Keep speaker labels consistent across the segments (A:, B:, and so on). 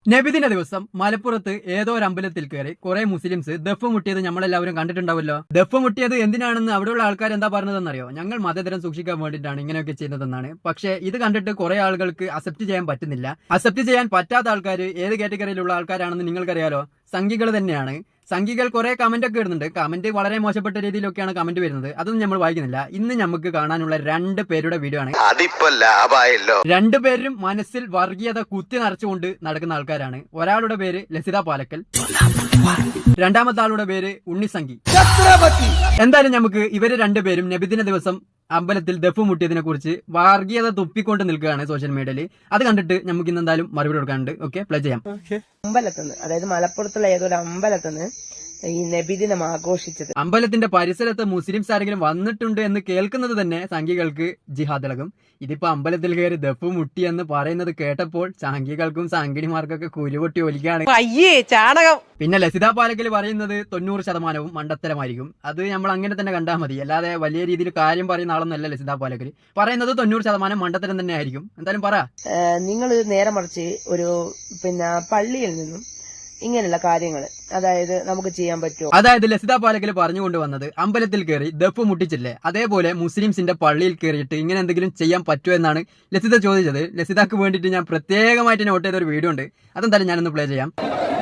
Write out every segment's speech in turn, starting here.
A: നബിദിന ദിവസം മലപ്പുറത്ത് ഏതോ ഒരു അമ്പലത്തിൽ കയറി കുറെ മുസ്ലിംസ് ദഫ് മുട്ടിയത് നമ്മളെല്ലാവരും കണ്ടിട്ടുണ്ടാവല്ലോ. ദഫ് മുട്ടിയത് എന്തിനാണെന്ന് അവിടെയുള്ള ആൾക്കാർ എന്താ പറഞ്ഞതെന്നറിയോ? ഞങ്ങൾ മതതരം സൂക്ഷിക്കാൻ വേണ്ടിയിട്ടാണ് ഇങ്ങനെയൊക്കെ ചെയ്യുന്നതെന്നാണ്. പക്ഷേ ഇത് കണ്ടിട്ട് കുറെ ആളുകൾക്ക് അക്സെപ്റ്റ് ചെയ്യാൻ പറ്റുന്നില്ല. അക്സെപ്റ്റ് ചെയ്യാൻ പറ്റാത്ത ആൾക്കാർ ഏത് കാറ്റഗറിയിലുള്ള ആൾക്കാരാണെന്ന് നിങ്ങൾക്കറിയാലോ? സംഘികൾ തന്നെയാണ്. സംഘികൾ കുറെ കമന്റ് ഒക്കെ ഇടുന്നുണ്ട്. കമന്റ് വളരെ മോശപ്പെട്ട രീതിയിലൊക്കെയാണ് കമന്റ് വരുന്നത്. അതൊന്നും നമ്മൾ വായിക്കുന്നില്ല. ഇന്ന് നമുക്ക് കാണാനുള്ള 2 പേരുടെ വീഡിയോ ആണ്.
B: അതിപ്പോ ലാഭായല്ലോ.
A: 2 പേരും മനസ്സിൽ വർഗീയത കുത്തി നിറച്ചുകൊണ്ട് നടക്കുന്ന ആൾക്കാരാണ്. ഒരാളുടെ പേര് ലസിത പാലക്കൽ, രണ്ടാമത്തെ ആളുടെ പേര് ഉണ്ണിസംഘി. എന്തായാലും നമുക്ക് ഇവര് 2 പേരും നബിദിന ദിവസം അമ്പലത്തിൽ ദഫ് മുട്ടിയതിനെ കുറിച്ച് വർഗീയത തുപ്പിക്കൊണ്ട് നിൽക്കുകയാണ് സോഷ്യൽ മീഡിയയിൽ. അത് കണ്ടിട്ട് നമുക്ക് ഇന്ന് എന്തായാലും മറുപടി കൊടുക്കാനുണ്ട്. ഓക്കെ, പ്ലേ ചെയ്യാം.
C: അമ്പലത്തുനിന്ന്, അതായത് മലപ്പുറത്തുള്ള ഏതൊരു അമ്പലത്തുനിന്ന് ഈ നബിദിനം ആഘോഷിച്ചത്.
A: അമ്പലത്തിന്റെ പരിസരത്ത് മുസ്ലിംസ് ആരെങ്കിലും വന്നിട്ടുണ്ട് എന്ന് കേൾക്കുന്നത് തന്നെ സംഘികൾക്ക് ജിഹാദിളകും. ഇതിപ്പോ അമ്പലത്തിൽ കയറി ദഫ് മുട്ടി എന്ന് പറയുന്നത് കേട്ടപ്പോൾ സംഘികൾക്കും സംഘിണിമാർക്കൊക്കെ കുരുപൊട്ടി ഒലിക്കാണ്.
C: ചാണകം.
A: പിന്നെ ലസിത പാലക്കൽ പറയുന്നത് 90% മണ്ടത്തരമായിരിക്കും. അത് നമ്മൾ അങ്ങനെ തന്നെ കണ്ടാൽ മതി. അല്ലാതെ വലിയ രീതിയിൽ കാര്യം പറയുന്ന ആളൊന്നല്ല ലസിത പാലക്കൽ. പറയുന്നത് 90% മണ്ടത്തരം തന്നെ ആയിരിക്കും. എന്തായാലും പറ.
C: നിങ്ങൾ നേരെ മറിച്ച് ഒരു പള്ളിയിൽ നിന്നും ഇങ്ങനെയുള്ള കാര്യങ്ങൾ അതായത് നമുക്ക് ചെയ്യാൻ പറ്റുമോ?
A: അതായത് ലസിത പാലക്കൽ പറഞ്ഞുകൊണ്ട് വന്നത് അമ്പലത്തിൽ കയറി ദഫ് മുട്ടിച്ചില്ലേ, അതേപോലെ മുസ്ലിംസിന്റെ പള്ളിയിൽ കയറിയിട്ട് ഇങ്ങനെ എന്തെങ്കിലും ചെയ്യാൻ പറ്റുമോ എന്നാണ് ലസിത ചോദിച്ചത്. ലസിതക്ക് വേണ്ടിയിട്ട് ഞാൻ പ്രത്യേകമായിട്ട് നോട്ട് ചെയ്ത ഒരു വീഡിയോ ഉണ്ട്. അതെന്തായാലും ഞാനൊന്ന് പ്ലേ ചെയ്യാം.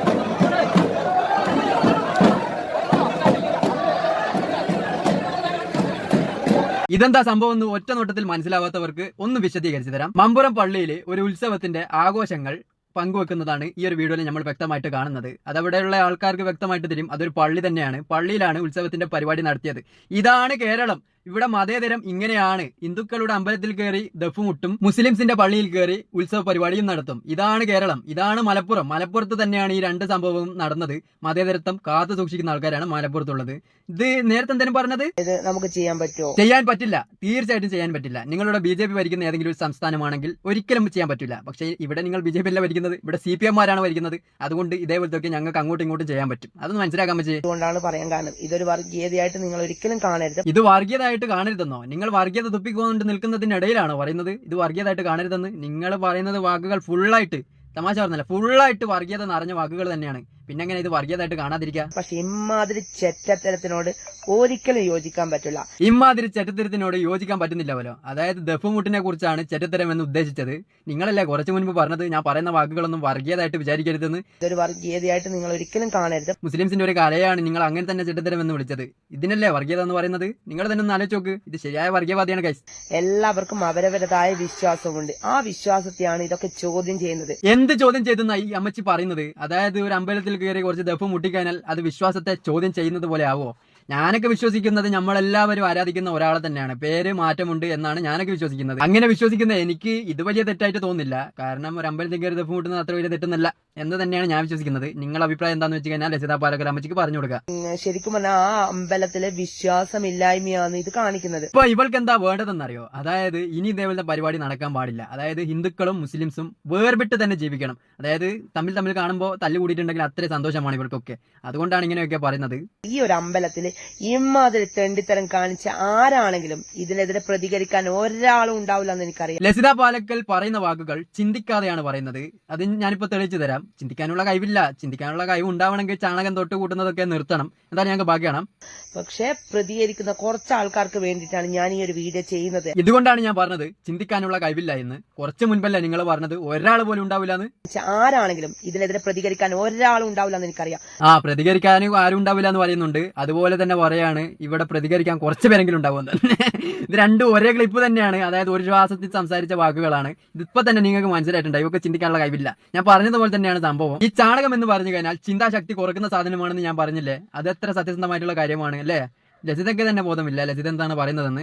A: ഇതെന്താ സംഭവം എന്ന് ഒറ്റ നോട്ടത്തിൽ മനസ്സിലാവാത്തവർക്ക് ഒന്ന് വിശദീകരിച്ചു തരാം. മമ്പുറം പള്ളിയിൽ ഒരു ഉത്സവത്തിന്റെ ആഘോഷങ്ങൾ പങ്കുവെക്കുന്നതാണ് ഈ ഒരു വീഡിയോയിൽ നമ്മൾ വ്യക്തമായിട്ട് കാണുന്നത്. അതവിടെയുള്ള ആൾക്കാർക്ക് വ്യക്തമായിട്ട് തരും അതൊരു പള്ളി തന്നെയാണ്. പള്ളിയിലാണ് ഉത്സവത്തിന്റെ പരിപാടി നടത്തിയത്. ഇതാണ് കേരളം. ഇവിടെ മതേതരം ഇങ്ങനെയാണ്. ഹിന്ദുക്കളുടെ അമ്പലത്തിൽ കയറി ദഫ് മുട്ടും, മുസ്ലിംസിന്റെ പള്ളിയിൽ കയറി ഉത്സവ പരിപാടിയും നടത്തും. ഇതാണ് കേരളം, ഇതാണ് മലപ്പുറം. മലപ്പുറത്ത് തന്നെയാണ് ഈ 2 സംഭവവും നടന്നത്. മതേതരത്വം കാത്തു സൂക്ഷിക്കുന്ന ആൾക്കാരാണ് മലപ്പുറത്തുള്ളത്. ഇത് നേരത്തെ എന്തെങ്കിലും പറഞ്ഞത്
C: നമുക്ക് ചെയ്യാൻ പറ്റുമോ?
A: ചെയ്യാൻ പറ്റില്ല, തീർച്ചയായിട്ടും ചെയ്യാൻ പറ്റില്ല. നിങ്ങളുടെ BJP ഭരിക്കുന്ന ഏതെങ്കിലും ഒരു സംസ്ഥാനമാണെങ്കിൽ ഒരിക്കലും ചെയ്യാൻ പറ്റില്ല. പക്ഷേ ഇവിടെ നിങ്ങൾ BJP അല്ല ഭരിക്കുന്നത്, ഇവിടെ CPM-മാരാണ് ഭരിക്കുന്നത്. അതുകൊണ്ട് ഇതേപോലത്തെ ഞങ്ങൾക്ക് അങ്ങോട്ടും ഇങ്ങോട്ടും ചെയ്യാൻ പറ്റും. അതൊന്ന് മനസ്സിലാക്കാൻ പറ്റും.
C: അതുകൊണ്ടാണ് പറയാൻ കാരണം ഇതൊരു വർഗീയതയായിട്ട് നിങ്ങൾ ഒരിക്കലും കാണരുത്.
A: ഇത് വർഗീയത കാണരുതെന്നോ? നിങ്ങൾ വർഗീയത തുപ്പിക്കൊണ്ട് നിൽക്കുന്നതിനിടയിലാണ് പറയുന്നത് ഇത് വർഗീയതായിട്ട് കാണരുതെന്ന്. നിങ്ങൾ പറയുന്നത് വാക്കുകൾ ഫുള്ളായിട്ട്, തമാശ പറഞ്ഞല്ല, ഫുള്ളായിട്ട് വർഗീയത നിറഞ്ഞ വാക്കുകൾ തന്നെയാണ്. പിന്നെ എങ്ങനെ ഇത് വർഗീയതായിട്ട് കാണാതിരിക്കുക?
C: പക്ഷെ ഇമാതിരി ചെറ്റത്തരത്തിനോട് ഒരിക്കലും യോജിക്കാൻ പറ്റില്ല.
A: ഇമാതിരി ചെറ്റത്തരത്തിനോട് യോജിക്കാൻ പറ്റുന്നില്ലവല്ലോ. അതായത് ദഫ് മുട്ടിനെ കുറിച്ചാണ് ചെറ്റത്തരം എന്ന് ഉദ്ദേശിച്ചത്. നിങ്ങളല്ലേ കുറച്ചു മുൻപ് പറഞ്ഞത് ഞാൻ പറയുന്ന വാക്കുകളൊന്നും വർഗീയതായിട്ട് വിചാരിക്കരുതെന്ന്.
C: ഇതൊരു വർഗീയതയായിട്ട് നിങ്ങൾ ഒരിക്കലും കാണരുത്.
A: മുസ്ലിംസിന്റെ ഒരു കലയാണ്, നിങ്ങൾ അങ്ങനെ തന്നെ ചെറ്റത്തരം എന്ന് വിളിച്ചത്. ഇതിനല്ലേ വർഗീയത എന്ന് പറയുന്നത്? നിങ്ങൾ തന്നെ ഒന്ന് ആലോചിച്ച് നോക്ക്. ഇത് ശരിയായ വർഗീയവാദിയാണ് ഗൈസ്.
C: എല്ലാവർക്കും അവരവരതായ വിശ്വാസമുണ്ട്. ആ വിശ്വാസത്തെയാണ് ഇതൊക്കെ ചോദ്യം ചെയ്യുന്നത്.
A: എന്ത് ചോദ്യം ചെയ്തെന്ന ഈ അമ്മച്ചി പറയുന്നത്? അതായത് ഒരു അമ്പലത്തിൽ കയറി കുറച്ച് ദഫ് മുട്ടിക്കഴിഞ്ഞാൽ അത് വിശ്വാസത്തെ ചോദ്യം ചെയ്യുന്നത് പോലെ ആവോ? ഞാനൊക്കെ വിശ്വസിക്കുന്നത് നമ്മളെല്ലാവരും ആരാധിക്കുന്ന ഒരാളെ തന്നെയാണ്. പേര് മാറ്റമുണ്ട് എന്നാണ് ഞാനൊക്കെ വിശ്വസിക്കുന്നത്. അങ്ങനെ വിശ്വസിക്കുന്ന എനിക്ക് ഇത് വലിയ തെറ്റായിട്ട് തോന്നുന്നില്ല. കാരണം ഒരു അമ്പലത്തിൽ കയറി ദഫ് മുട്ടുന്നത് അത്ര വലിയ തെറ്റൊന്നല്ല എന്ന് തന്നെയാണ് ഞാൻ വിശ്വസിക്കുന്നത്. നിങ്ങളുടെ അഭിപ്രായം എന്താണെന്ന് വെച്ച് കഴിഞ്ഞാൽ ലസിത പാലക്കൽ അമ്മച്ചിക്ക് പറഞ്ഞു കൊടുക്കുക.
C: ശരിക്കും പറഞ്ഞാൽ ആ അമ്പലത്തിലെ വിശ്വാസമില്ലായ്മയാണ് ഇത് കാണിക്കുന്നത്.
A: ഇപ്പൊ ഇവൾക്ക് എന്താ വേണ്ടതെന്നറിയോ? അതായത് ഇനി ഇതേപോലത്തെ പരിപാടി നടക്കാൻ പാടില്ല. അതായത് ഹിന്ദുക്കളും മുസ്ലിംസും വേർപെട്ട് തന്നെ ജീവിക്കണം. അതായത് തമ്മിൽ കാണുമ്പോൾ തല്ലുകൂടിയിട്ടുണ്ടെങ്കിൽ അത്രയും സന്തോഷമാണ് ഇവർക്കൊക്കെ. അതുകൊണ്ടാണ് ഇങ്ങനെയൊക്കെ പറയുന്നത്.
C: ഈ ഒരു അമ്പലത്തില് ഇമാതിരി തെണ്ടിത്തരം കാണിച്ച ആരാണെങ്കിലും ഇതിനെതിരെ പ്രതികരിക്കാൻ ഒരാളും ഉണ്ടാവില്ല എന്ന് എനിക്കറിയാം.
A: ലസിത പാലക്കൽ പറയുന്ന വാക്കുകൾ ചിന്തിക്കാതെയാണ് പറയുന്നത്. അത് ഞാനിപ്പോ തെളിയിച്ചു തരാം. ചിന്തിക്കാനുള്ള കഴിവില്ല. ചിന്തിക്കാനുള്ള കഴിവ് ഉണ്ടാവണമെങ്കിൽ ചാണകം തൊട്ട് കൂട്ടുന്നതൊക്കെ നിർത്തണം. എന്തായാലും ഞങ്ങൾക്ക് ബാക്കിയാണ്.
C: പക്ഷെ പ്രതികരിക്കുന്ന കുറച്ച് ആൾക്കാർക്ക് വേണ്ടിയിട്ടാണ് ഞാൻ ഈ ഒരു വീഡിയോ ചെയ്യുന്നത്.
A: ഇതുകൊണ്ടാണ് ഞാൻ പറഞ്ഞത് ചിന്തിക്കാനുള്ള കഴിവില്ല എന്ന്. കുറച്ച് മുൻപല്ല നിങ്ങൾ പറഞ്ഞത് ഒരാൾ പോലും ഉണ്ടാവില്ല എന്ന്.
C: ആരാണെങ്കിലും ഇതിനെതിരെ പ്രതികരിക്കാൻ ഒരാളും ഉണ്ടാവില്ല എന്ന് എനിക്കറിയാം.
A: പ്രതികരിക്കാനും ആരും ഉണ്ടാവില്ല എന്ന് പറയുന്നുണ്ട്. അതുപോലെ തന്നെ പറയാണ് ഇവിടെ പ്രതികരിക്കാൻ കുറച്ച് പേരെങ്കിലും ഉണ്ടാവുമെന്ന്. ഇത് 2 ഒരേ ക്ലിപ്പ് തന്നെയാണ്. അതായത് ഒരു ശ്വാസത്തിൽ സംസാരിച്ച വാക്കുകളാണ്. ഇതിപ്പോ തന്നെ നിങ്ങൾക്ക് മനസ്സിലായിട്ടുണ്ട് ഇവർക്ക് ചിന്തിക്കാനുള്ള കഴിവില്ല. ഞാൻ പറഞ്ഞതുപോലെ തന്നെയാണ് സംഭവം. ഈ ചാണകം എന്ന് പറഞ്ഞു കഴിഞ്ഞാൽ ചിന്താശക്തി കുറക്കുന്ന സാധനമാണെന്ന് ഞാൻ പറഞ്ഞില്ലേ? അത് എത്ര സത്യസന്ധമായിട്ടുള്ള കാര്യമാണ് അല്ലേ? ലസിതയ്ക്ക് തന്നെ ബോധമില്ല ലസിത എന്താണ് പറയുന്നതെന്ന്.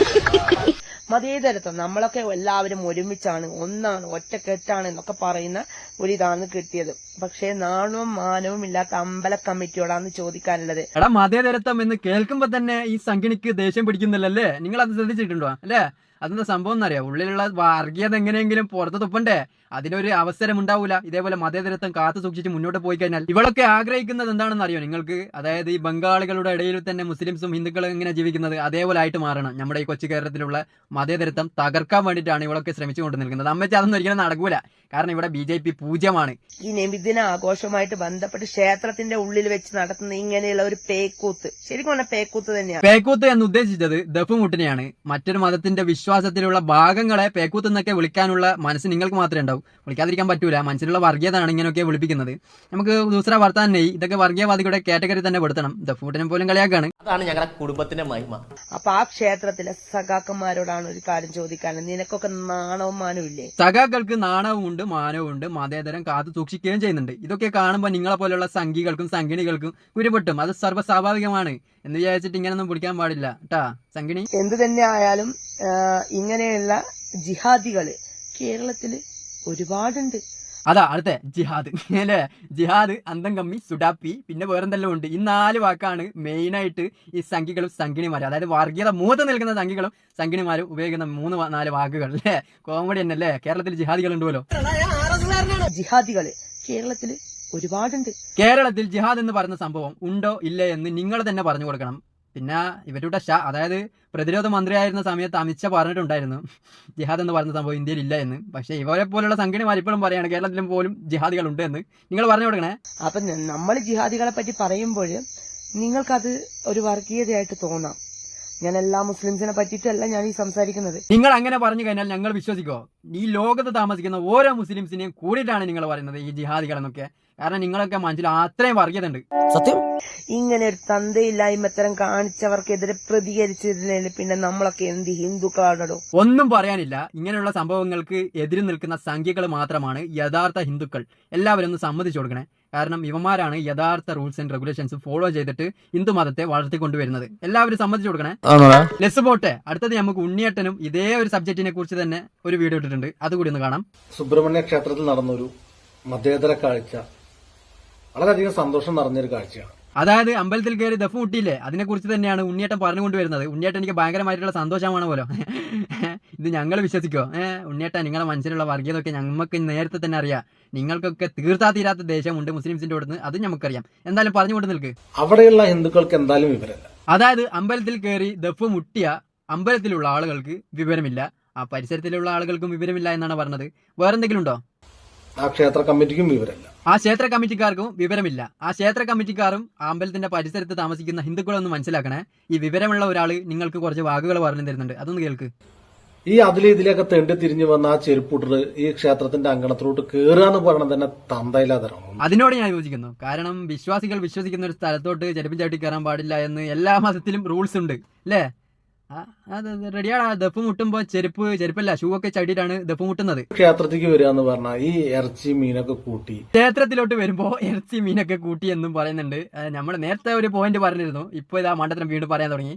C: മതേതരത്വം നമ്മളൊക്കെ എല്ലാവരും ഒരുമിച്ചാണ്, ഒന്നാണ്, ഒറ്റക്കെട്ടാണ് എന്നൊക്കെ പറയുന്ന ഒരിതാണ് കിട്ടിയത്. പക്ഷേ നാണവും മാനവും ഇല്ലാത്ത അമ്പല കമ്മിറ്റിയോടാണ് ചോദിക്കാനുള്ളത്.
A: എടാ, മതേതരത്വം എന്ന് കേൾക്കുമ്പോ തന്നെ ഈ സംഘിണിക്ക് ദേഷ്യം പിടിക്കുന്നില്ലല്ലേ? നിങ്ങൾ അത് ശ്രദ്ധിച്ചിട്ടുണ്ടോ അല്ലേ? അതെന്താ സംഭവം എന്നറിയാം? ഉള്ളിലുള്ള വർഗീയത എങ്ങനെയെങ്കിലും പുറത്ത് തുപ്പണ്ടേ? അതിനൊരു അവസരം ഉണ്ടാവൂല. ഇതേപോലെ മതേതരത്വം കാത്തു സൂക്ഷിച്ച് മുന്നോട്ട് പോയി കഴിഞ്ഞാൽ ഇവളൊക്കെ ആഗ്രഹിക്കുന്നത് എന്താണെന്ന് അറിയോ നിങ്ങൾക്ക്? അതായത് ഈ ബംഗാളികളുടെ ഇടയിൽ തന്നെ മുസ്ലിംസും ഹിന്ദുക്കളും എങ്ങനെ ജീവിക്കുന്നത് അതേപോലെ ആയിട്ട് മാറണം. നമ്മുടെ ഈ കൊച്ചു കേരളത്തിലുള്ള മതേതരത്വം തകർക്കാൻ വേണ്ടിയിട്ടാണ് ഇവളൊക്കെ ശ്രമിച്ചുകൊണ്ട് നിൽക്കുന്നത്. അമ്മച്ചി അതൊന്നും ഒരിക്കലും നടക്കൂല. കാരണം ഇവിടെ BJP പൂജ്യമാണ്.
C: ഈ നബിദിന ആഘോഷവുമായിട്ട് ബന്ധപ്പെട്ട് ക്ഷേത്രത്തിന്റെ ഉള്ളിൽ വെച്ച് നടത്തുന്ന ഇങ്ങനെയുള്ള ഒരു പേക്കൂത്ത്, ശരിക്കും പറഞ്ഞ പേക്കൂത്ത് തന്നെയാണ്.
A: പേക്കൂത്ത് എന്ന് ഉദ്ദേശിച്ചത് ദഫുമുട്ടിനെയാണ്. മറ്റൊരു മതത്തിന്റെ വിശ്വാസത്തിലുള്ള ഭാഗങ്ങളെ പേക്കൂത്ത് എന്നൊക്കെ വിളിക്കാനുള്ള മനസ്സ് നിങ്ങൾക്ക് മാത്രമേ ഉണ്ടാവും, വിളിക്കാതിരിക്കാൻ പറ്റൂല. മനസ്സിലുള്ള വർഗീയതാണ് ഇങ്ങനെയൊക്കെ വിളിപ്പിക്കുന്നത്. നമുക്ക് ദൂസറ വർത്താനെ ഇതൊക്കെ വർഗീയവാദികളുടെ കാറ്റഗറി തന്നെ പെടുത്തണം. ദഫുമുട്ടിനെ പോലും കളിയാക്കാണ്.
B: അതാണ് ഞങ്ങളുടെ കുടുംബത്തിന്റെ മഹിമ.
C: അപ്പൊ ആ ക്ഷേത്രത്തിലെ സഖാക്കന്മാരോടാണ് ഒരു കാര്യം ചോദിക്കാനുള്ളത്. നിനക്കൊക്കെ നാണവും മാനവും ഇല്ലേ?
A: സഖാക്കൾക്ക് നാണവും ഉണ്ട്, മാനവും ഉണ്ട്, മതേതരം കാത്തു സൂക്ഷിക്കുകയും ചെയ്യുന്നുണ്ട്. ഇതൊക്കെ കാണുമ്പോൾ നിങ്ങളെ പോലെയുള്ള സംഘികൾക്കും സംഘിണികൾക്കും കുരുപൊട്ടും. അത് സർവ്വസ്വാഭാവികമാണ് എന്ന് വിചാരിച്ചിട്ട് ഇങ്ങനെയൊന്നും പിടിക്കാൻ പാടില്ല ട്ടാ സംഘിണി.
C: എന്തു തന്നെ ആയാലും ഇങ്ങനെയുള്ള ജിഹാദികള് കേരളത്തില് ഒരുപാടുണ്ട്.
A: അതാ അടുത്ത ജിഹാദ് അല്ലേ? ജിഹാദ്, അന്തം കമ്മി, സുഡാപ്പി, പിന്നെ വേറെന്തെല്ലാം ഉണ്ട്. ഈ 4 വാക്കാണ് മെയിനായിട്ട് ഈ സംഘികളും സംഘിണിമാരും, അതായത് വർഗീയത മൂത്ത് നിൽക്കുന്ന സംഘികളും സംഘിണിമാരും ഉപയോഗിക്കുന്ന 3-4 വാക്കുകൾ അല്ലേ? കോമഡി തന്നെ അല്ലേ? കേരളത്തിൽ ജിഹാദികൾ ഉണ്ടല്ലോ.
C: ജിഹാദികള് കേരളത്തില് ഒരുപാടുണ്ട്.
A: കേരളത്തിൽ ജിഹാദ് എന്ന് പറയുന്ന സംഭവം ഉണ്ടോ ഇല്ലേ എന്ന് നിങ്ങൾ തന്നെ പറഞ്ഞു കൊടുക്കണം. പിന്നെ ഇവരുടെ അതായത് പ്രതിരോധ മന്ത്രിയായിരുന്ന സമയത്ത് അമിത്ഷാ പറഞ്ഞിട്ടുണ്ടായിരുന്നു ജിഹാദ് എന്ന് പറയുന്ന സംഭവം ഇന്ത്യയിൽ ഇല്ല എന്ന്. പക്ഷേ ഇവരെ പോലുള്ള സംഘടനമാർ ഇപ്പോഴും പറയാണ് കേരളത്തിലും പോലും ജിഹാദികൾ ഉണ്ട് എന്ന്. നിങ്ങൾ പറഞ്ഞു കൊടുക്കണേ.
C: അപ്പൊ നമ്മൾ ജിഹാദികളെ പറ്റി പറയുമ്പോൾ നിങ്ങൾക്കത് ഒരു വർഗീയതയായിട്ട് തോന്നാം. ഞാൻ എല്ലാ മുസ്ലിംസിനെ പറ്റിയിട്ടല്ല ഞാൻ ഈ സംസാരിക്കുന്നത്.
A: നിങ്ങൾ അങ്ങനെ പറഞ്ഞു കഴിഞ്ഞാൽ ഞങ്ങൾ വിശ്വസിക്കോ? ഈ ലോകത്ത് താമസിക്കുന്ന ഓരോ മുസ്ലിംസിനെയും കൂടിയിട്ടാണ് നിങ്ങൾ പറയുന്നത് ഈ ജിഹാദികൾ എന്നൊക്കെ. കാരണം നിങ്ങളൊക്കെ മനസ്സിൽ അത്രയും വർഗീയത ഉണ്ട്.
B: സത്യം.
C: ഇങ്ങനെ ഒരു തന്തയില്ലായ്മത്തരം കാണിച്ചവർക്കെതിരെ പ്രതികരിച്ചിരുന്നില്ല പിന്നെ നമ്മളൊക്കെ എന്ത് ഹിന്ദുക്കളാണോ?
A: ഒന്നും പറയാനില്ല. ഇങ്ങനെയുള്ള സംഭവങ്ങൾക്ക് എതിര് നിൽക്കുന്ന സംഖ്യകൾ മാത്രമാണ് യഥാർത്ഥ ഹിന്ദുക്കൾ. എല്ലാവരും ഒന്ന് സമ്മതിച്ചു കൊടുക്കണേ. കാരണം ഇവന്മാരാണ് യഥാർത്ഥ റൂൾസ് ആൻഡ് റെഗുലേഷൻസ് ഫോളോ ചെയ്തിട്ട് ഹിന്ദു മതത്തെ വളർത്തിക്കൊണ്ടുവരുന്നത്. എല്ലാവരും സമ്മതിച്ചു കൊടുക്കണേ. ലെസ് പോട്ടെ. അടുത്തത് നമുക്ക് ഉണ്ണിയേട്ടനും ഇതേ ഒരു സബ്ജക്റ്റിനെ കുറിച്ച് തന്നെ ഒരു വീഡിയോ ഇട്ടിട്ടുണ്ട്, അതുകൂടി ഒന്ന് കാണാം.
D: സുബ്രഹ്മണ്യ ക്ഷേത്രത്തിൽ നടന്നൊരു മതേതര കാഴ്ച വളരെയധികം സന്തോഷം നിറഞ്ഞൊരു കാഴ്ചയാണ്.
A: അതായത് അമ്പലത്തിൽ കയറി ദഫ് മുട്ടിയില്ലേ, അതിനെ കുറിച്ച് തന്നെയാണ് ഉണ്ണിയേട്ടൻ പറഞ്ഞുകൊണ്ടുവരുന്നത്. ഉണ്ണിയേട്ടൻ എനിക്ക് ഭയങ്കരമായിട്ടുള്ള സന്തോഷമാണ് പോലോ. ഇത് ഞങ്ങൾ വിശ്വസിക്കോ? ഉണ്ണിയേട്ടൻ നിങ്ങളുടെ മനസ്സിലുള്ള വർഗീയതൊക്കെ ഞങ്ങൾക്ക് നേരത്തെ തന്നെ അറിയാം. നിങ്ങൾക്കൊക്കെ തീർത്താ തീരാത്ത ദേശമുണ്ട് മുസ്ലിംസിന്റെ അടുത്ത്, അത് നമുക്കറിയാം. എന്തായാലും പറഞ്ഞുകൊണ്ട് നിൽക്ക്.
D: അവിടെയുള്ള ഹിന്ദുക്കൾക്ക് എന്തായാലും വിവരമില്ല.
A: അതായത് അമ്പലത്തിൽ കയറി ദഫ് മുട്ടിയ അമ്പലത്തിലുള്ള ആളുകൾക്ക് വിവരമില്ല, ആ പരിസരത്തിലുള്ള ആളുകൾക്കും വിവരമില്ല എന്നാണ് പറഞ്ഞത്. വേറെന്തെങ്കിലും ഉണ്ടോ?
D: ആ ക്ഷേത്ര കമ്മിറ്റിക്കും വിവരമില്ല.
A: ആ ക്ഷേത്ര കമ്മിറ്റിക്കാർക്കും വിവരമില്ല. ആ ക്ഷേത്ര കമ്മിറ്റിക്കാരും ആ അമ്പലത്തിന്റെ പരിസരത്ത് താമസിക്കുന്ന ഹിന്ദുക്കളൊന്ന് മനസ്സിലാക്കണേ. ഈ വിവരമുള്ള ഒരാള് നിങ്ങൾക്ക് കുറച്ച് വാക്കുകൾ പറഞ്ഞു തരുന്നുണ്ട്, അതൊന്ന് കേൾക്ക്.
D: ഈ ഇതിലേക്ക് തെണ്ടി തിരിഞ്ഞു വന്ന ആ ചെരുപ്പൂട്ടർ ഈ ക്ഷേത്രത്തിന്റെ അങ്കണത്തിലോട്ട് കയറുക എന്ന് പറയുന്നത് തന്നെ തന്തയില്ലാതരാണ്.
A: അതിനോട് ഞാൻ യോജിക്കുന്നു. കാരണം വിശ്വാസികൾ വിശ്വസിക്കുന്ന ഒരു സ്ഥലത്തോട്ട് ചെരുപ്പ് ചവിട്ടി കയറാൻ പാടില്ല എന്ന് എല്ലാ മതത്തിലും റൂൾസ് ഉണ്ട് അല്ലേ? അത് റെഡിയാണ്. ദഫ് മുട്ടുമ്പോ ചെരുപ്പല്ല ഷൂ ഒക്കെ ചടിയിട്ടാണ് ദഫ് മുട്ടുന്നത്.
D: ക്ഷേത്രത്തിലേക്ക് വരിക എന്ന് പറഞ്ഞാൽ ഈ ഇറച്ചി മീനൊക്കെ കൂട്ടി,
A: ക്ഷേത്രത്തിലോട്ട് വരുമ്പോ ഇറച്ചി മീനൊക്കെ കൂട്ടി എന്നും പറയുന്നുണ്ട്. നമ്മൾ നേരത്തെ ഒരു പോയിന്റ് പറഞ്ഞിരുന്നു, ഇപ്പൊ ഇതാ മണ്ടത്തരം വീണ്ടും പറയാൻ തുടങ്ങി.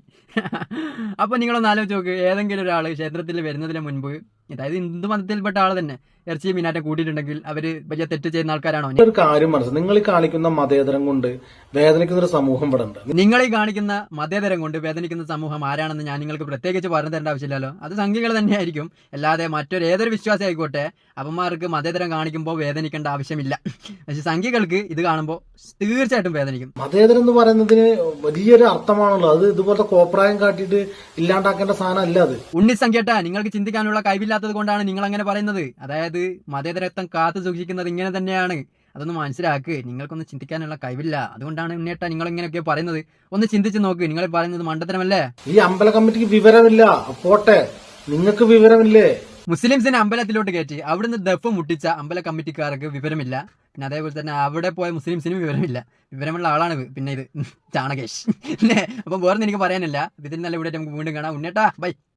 A: അപ്പൊ നിങ്ങളൊന്ന് ആലോചിച്ച് നോക്ക്, ഏതെങ്കിലും ഒരാള് ക്ഷേത്രത്തിൽ വരുന്നതിന് മുൻപ്, അതായത് ഹിന്ദു മതത്തിൽപ്പെട്ട ആള് തന്നെ ഇറച്ചി മീനാറ്റം കൂട്ടിയിട്ടുണ്ടെങ്കിൽ അവര് വലിയ തെറ്റ് ചെയ്യുന്ന ആൾക്കാരാണോ?
D: ഒരു കാര്യം മനസ്സിലായി, നിങ്ങൾ ഈ കാണിക്കുന്ന മതേതരം കൊണ്ട് വേദനിക്കുന്ന ഒരു സമൂഹം ഇവിടെ ഉണ്ട്.
A: നിങ്ങൾ ഈ കാണിക്കുന്ന മതേതരം കൊണ്ട് വേദനിക്കുന്ന സമൂഹം ആരാണെന്ന് ഞാൻ നിങ്ങൾക്ക് പ്രത്യേകിച്ച് പറഞ്ഞു തരേണ്ട ആവശ്യമില്ലല്ലോ. അത് സംഖ്യകൾ തന്നെയായിരിക്കും, അല്ലാതെ ഏതൊരു വിശ്വാസം ആയിക്കോട്ടെ അവന്മാർക്ക് മതേതരം കാണിക്കുമ്പോൾ വേദനിക്കേണ്ട ആവശ്യമില്ല. പക്ഷെ സംഖ്യകൾക്ക് ഇത് കാണുമ്പോൾ തീർച്ചയായിട്ടും വേദനിക്കും.
D: മതേതരം എന്ന് പറയുന്നതിന് വലിയൊരു അർത്ഥമാണല്ലോ. അത് ഇതുപോലത്തെ കോപ്രായം കാട്ടിയിട്ട് ഇല്ലാണ്ടാക്കേണ്ട സാധനം അല്ല അത്.
A: ഉണ്ണിസംഖ്യട്ട, നിങ്ങൾക്ക് ചിന്തിക്കാനുള്ള കഴിവില്ലാത്തത് കൊണ്ടാണ് നിങ്ങൾ അങ്ങനെ പറയുന്നത്. അതായത് മതേതരത്വം കാത്തു സൂക്ഷിക്കുന്നത് ഇങ്ങനെ തന്നെയാണ്. അതൊന്ന് മനസ്സിലാക്ക്. നിങ്ങൾക്കൊന്നും ചിന്തിക്കാനുള്ള കഴിവില്ല, അതുകൊണ്ടാണ് ഉണ്ണിയേട്ട നിങ്ങൾ ഇങ്ങനെയൊക്കെ പറയുന്നത്. ഒന്ന് ചിന്തിച്ച് നോക്ക്, നിങ്ങൾ പറയുന്നത് മണ്ടത്തരമല്ലേ?
D: ഈ അമ്പല കമ്മിറ്റിക്ക് വിവരമില്ല, പോട്ടെ, നിങ്ങൾക്ക് വിവരമില്ലേ?
A: മുസ്ലിംസിനെ അമ്പലത്തിലോട്ട് കയറ്റി അവിടുന്ന് ദഫ് മുട്ടിച്ച അമ്പല കമ്മിറ്റിക്കാർക്ക് വിവരമില്ല. പിന്നെ അതേപോലെ തന്നെ അവിടെ പോയ മുസ്ലിംസിനും വിവരമില്ല. വിവരമുള്ള ആളാണ് പിന്നെ ഇത് ചാണകേഷ് അല്ലേ? അപ്പം വേറെ എനിക്ക് പറയാനില്ല. ഇതിൽ നല്ല ഇവിടെ നമുക്ക് വീണ്ടും കാണാം. ഉണ്ണിയേട്ടാ ബൈ.